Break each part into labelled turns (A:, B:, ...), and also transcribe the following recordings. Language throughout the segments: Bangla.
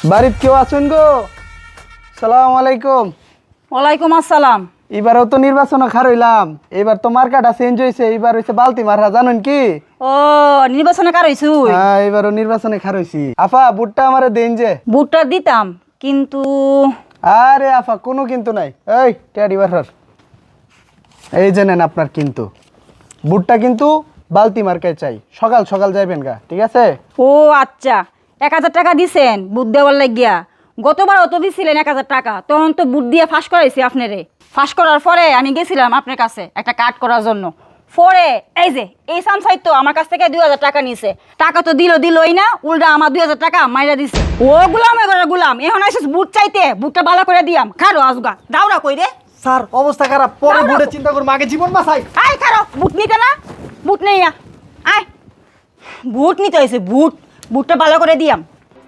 A: বাড়িত কেউ আছেন গো? সালাম আলাইকুম।
B: ওয়ালাইকুম আসসালাম।
A: এবারও তো নির্বাচন খার হইলাম, এবার তো মার্কাটা চেঞ্জ হয়েছে, এবার হয়েছে বালতি মারা, জানেন কি?
B: ও নির্বাচনে কার হইছু?
A: হ্যাঁ, এবারও নির্বাচনে খার হইছি। আফা বুটটা আমারে দেন যে।
B: বুটটা দিতাম কিন্তু
A: আরে আফা কোনো কিন্তু নাই, এই টেডি বারহার, এই যে নেন আপনার কিন্তু। বুটটা কিন্তু বালতি মার্কায় চাই, সকাল সকাল যাইবেন গা, ঠিক আছে?
B: ও আচ্ছা, 1000 টাকা দিছেন বুট দেওয়ার লাগিয়া। গতবার অত দিছিলেন 1000 টাকা, তখন তো বুট দিয়ে ফাঁস করাইছি আপনারে। ফাঁস করার পরে আমি গেছিলাম আপনার কাছে একটা কার্ড করার জন্য। পরে এই যে এই সামসাই তো আমার কাছ থেকে 2000 টাকা নিছে। টাকা তো দিলই না, উল্টা আমার 2000 টাকা মাইরা দিছে। ও গুলাম এবার গুলাম, এখন আসিস বুট চাইতে, বুটটা ভালো করে দিয়াম। খারো আজগা দাওরা কই রে?
A: স্যার অবস্থা খারাপ, পরে বুটে চিন্তা করবো, আগে জীবন বাঁচাই।
B: আয় খারো, বুট নিতে না? বুট নেই আয়, বুট নিতে হয়েছে, বুটটা ভালো করে দিয়াম।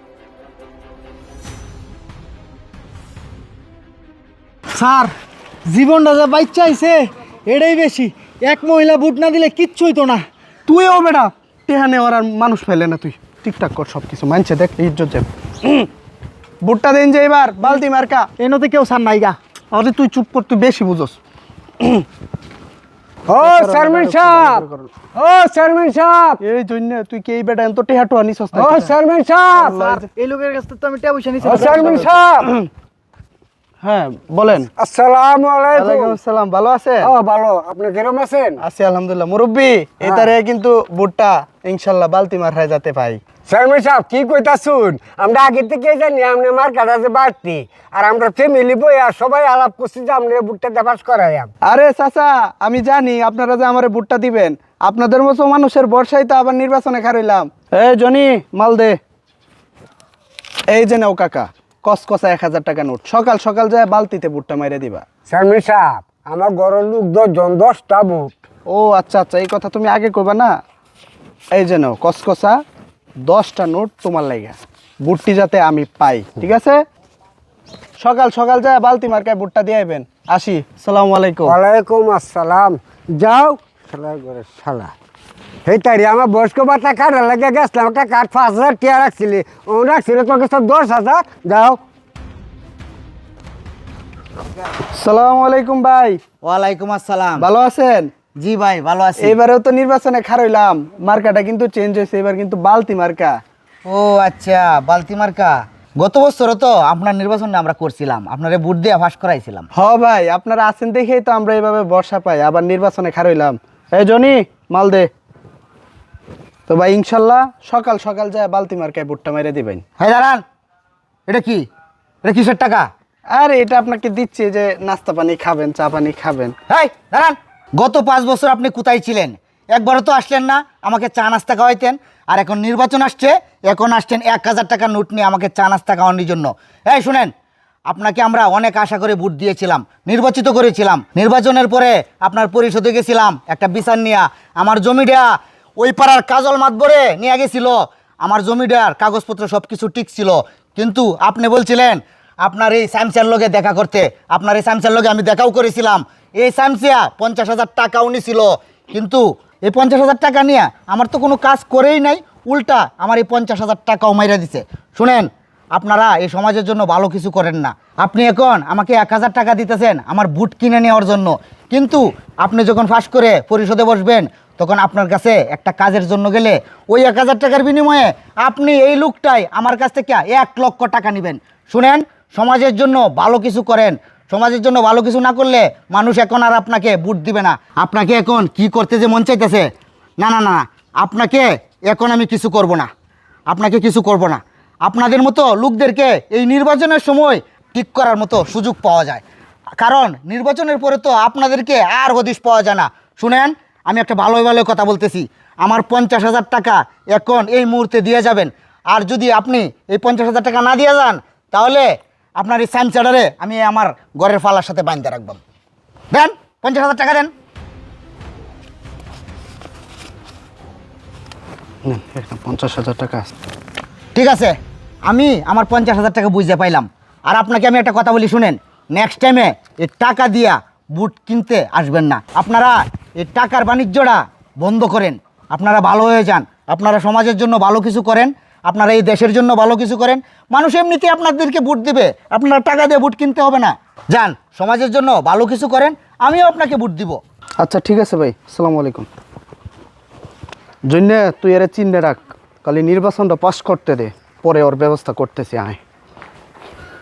C: স্যার জীবনটা যা বাচ্চা আইছে এটাই বেশি। এক মহিলা বুট না দিলে কিচ্ছু হইতো না।
A: তুইও বেটা টেহা নেওয়ার আর মানুষ ফেলে না, তুই ঠিকঠাক কর সব কিছু, মানছে দেখ ইজ্জত যাবে। বুটটা দেন যে এবার বালতি মার্কা।
C: এনতে কেউ সার নাইগা।
A: আরে তুই চুপ কর, তুই বেশি বুঝোস।
C: ও চেয়ারম্যান সাহেব, ও চেয়ারম্যান সাহেব,
A: এই জন্য তুই কি এই বেটা এত টেহা টোয়া নিছস না?
C: ও চেয়ারম্যান সাহেব,
A: এই লোকের কাছ থেকে তো আমি টেহা পয়সা নিছি।
C: ও চেয়ারম্যান সাহেব।
A: হ্যাঁ বলেন।
C: আসসালামু আলাইকুম।
A: ওয়ালাইকুম আসসালাম, ভালো আছেন?
C: ও ভালো, আপনি কিরকম আছেন?
A: আছি আলহামদুলিল্লাহ। মুরব্বি এটারে কিন্তু বুটটা ইনশাআল্লাহ বালতি মারায় যেতে পাই।
D: চেয়ারম্যান সাহেব কি কইতাছুন? আমরা আগে থেকে জানি আপনি মার্কাটা যে বাড়তি, আর আমরা ফ্যামিলি বই আর সবাই আলাপ করছি যে আপনি বুটটা দেবাস করাইয়াম।
A: আরে চাচা, আমি জানি আপনারা যে আমারে বুটটা দিবেন, আপনাদের মতো মানুষের বর্ষায় তো আবার নির্বাচনে খারইলাম। এই জনি মাল দে। এই যে নাও কাকা, কসকসা 1000 টাকা নোট, সকাল সকাল যায় বালতিতে বুটটা মাইরে দিবা।
D: চেয়ারম্যান সাহেব আমার ঘরের লোক 10টা বুট।
A: ও আচ্ছা আচ্ছা, এই কথা তুমি আগে কইবা না। এই যে নাও কসকসা 10টা নোট তোমার লাগা, বুটটি যাতে আমি পাই, ঠিক আছে? সকাল সকাল যায় বালতি মার্কায় বুটটা দিয়ে আইবেন। আসি, আসসালামু আলাইকুম।
D: ওয়ালাইকুম আসসালাম। যাও শালার ঘরে শালা। এই তারি আমার বয়স্ক ভাতা কাটার লাগে গেছিলাম, একটা কাঠ 5000 টিয়া রাখছিলি, ও রাখছিলে তোর কাছে 10,000। যাও।
A: আসসালামু আলাইকুম ভাই।
E: ওয়ালাইকুম আসসালাম।
A: ভালো আছেন?
E: জি ভাই ভালো আছি।
A: এবারেও তো নির্বাচনে খারইলাম, মার্কাটা কিন্তু চেঞ্জ হয়েছে, এবার কিন্তু বালতি মার্কা।
E: ও আচ্ছা, বালতি মার্কা। গত বছরও তো আপনার নির্বাচনটা আমরা করছিলাম, আপনারে ভোট দিয়ে ফাঁস করাইছিলাম।
A: হ ভাই, আপনারা আছেন দেখেই তো আমরা এইভাবে বর্ষা পাই, আবার নির্বাচনে খারইলাম। এই জনি মাল দে। তো ভাই ইনশাল্লাহ সকাল সকাল যায় বালতি মার্কায় বুটটা মেরে দিবেন।
E: হ্যাঁ দাঁড়ান, এটা কি? এটা কিসের টাকা?
A: আরে এটা আপনাকে দিচ্ছি যে নাস্তা পানি খাবেন, চা পানি খাবেন।
E: হ্যাঁ দাঁড়ান, গত 5 বছর আপনি কোথায় ছিলেন? একবারও তো আসলেন না আমাকে চা নাস্তা খাওয়াইতেন। আর এখন নির্বাচন আসছে, এখন আসছেন 1000 টাকা নোট নিয়ে আমাকে চা নাস্তা খাওয়ানোর জন্য। এই শুনেন, আপনাকে আমরা অনেক আশা করে ভোট দিয়েছিলাম, নির্বাচিত করেছিলাম। নির্বাচনের পরে আপনার পরিষদে গেছিলাম একটা বিচার নিয়ে, আমার জমিটা ওই পাড়ার কাজল মাতবরে নিয়ে গেছিল। আমার জমিটার কাগজপত্র সব কিছু ঠিক ছিল, কিন্তু আপনি বলছিলেন আপনার এই স্যামসার লগে দেখা করতে। আপনার এই স্যামসার লগে আমি দেখাও করেছিলাম। এই স্যামসিয়া 50,000 টাকাও নিছিল, কিন্তু এই 50,000 টাকা নিয়ে আমার তো কোনো কাজ করেই নাই, উল্টা আমার এই 50,000 টাকাও মাইরা দিছে। শুনেন, আপনারা এই সমাজের জন্য ভালো কিছু করেন না। আপনি এখন আমাকে 1000 টাকা দিতেছেন আমার বুট কিনে নেওয়ার জন্য, কিন্তু আপনি যখন ফাঁস করে পরিষদে বসবেন তখন আপনার কাছে একটা কাজের জন্য গেলে ওই 1000 টাকার বিনিময়ে আপনি এই লোকটাই আমার কাছ থেকে 1 লক্ষ টাকা নেবেন। শুনেন, সমাজের জন্য ভালো কিছু করেন। সমাজের জন্য ভালো কিছু না করলে মানুষ এখন আর আপনাকে ভোট দিবে না। আপনাকে এখন কি করতে যে মন চাইতেছে, না না না, আপনাকে এখন আমি কিছু করব না, আপনাকে কিছু করব না। আপনাদের মতো লোকদেরকে এই নির্বাচনের সময় ঠিক করার মতো সুযোগ পাওয়া যায়, কারণ নির্বাচনের পরে তো আপনাদেরকে আর হদিশ পাওয়া যায় না। শুনেন, আমি একটা ভালো ভালো কথা বলতেছি, আমার 50,000 টাকা এখন এই মুহূর্তে দিয়ে যাবেন। আর যদি আপনি এই 50,000 টাকা না দিয়ে যান, তাহলে আপনার এই স্যামসাডারে আমি আমার ঘরের ফালার সাথে বাঁধতে রাখব। দেন 50,000 টাকা দেন।
A: 50,000 টাকা।
E: ঠিক আছে, আমি আমার 50,000 টাকা বুঝতে পাইলাম। আর আপনাকে আমি একটা কথা বলি, শুনেন, নেক্সট টাইমে এই টাকা দিয়া বুট কিনতে আসবেন না। আপনারা এই টাকার বাণিজ্যটা বন্ধ করেন, আপনারা ভালো হয়ে যান, আপনারা সমাজের জন্য ভালো কিছু করেন। আপনারা এই দেশের জন্য ভালো কিছু করেন, মানুষ এমনিতে আপনাদেরকে ভোট দিবে, আপনারা টাকা দিয়ে ভোট কিনতে হবে না। যান, সমাজের জন্য ভালো কিছু করেন, আমিও আপনাকে ভোট দিব।
A: আচ্ছা ঠিক আছে ভাই, আসসালামু আলাইকুম। জন্য তুই এর চিহ্নে রাখ, খালি নির্বাচনটা পাস করতে দে, পরে ওর ব্যবস্থা করতেছি আয়।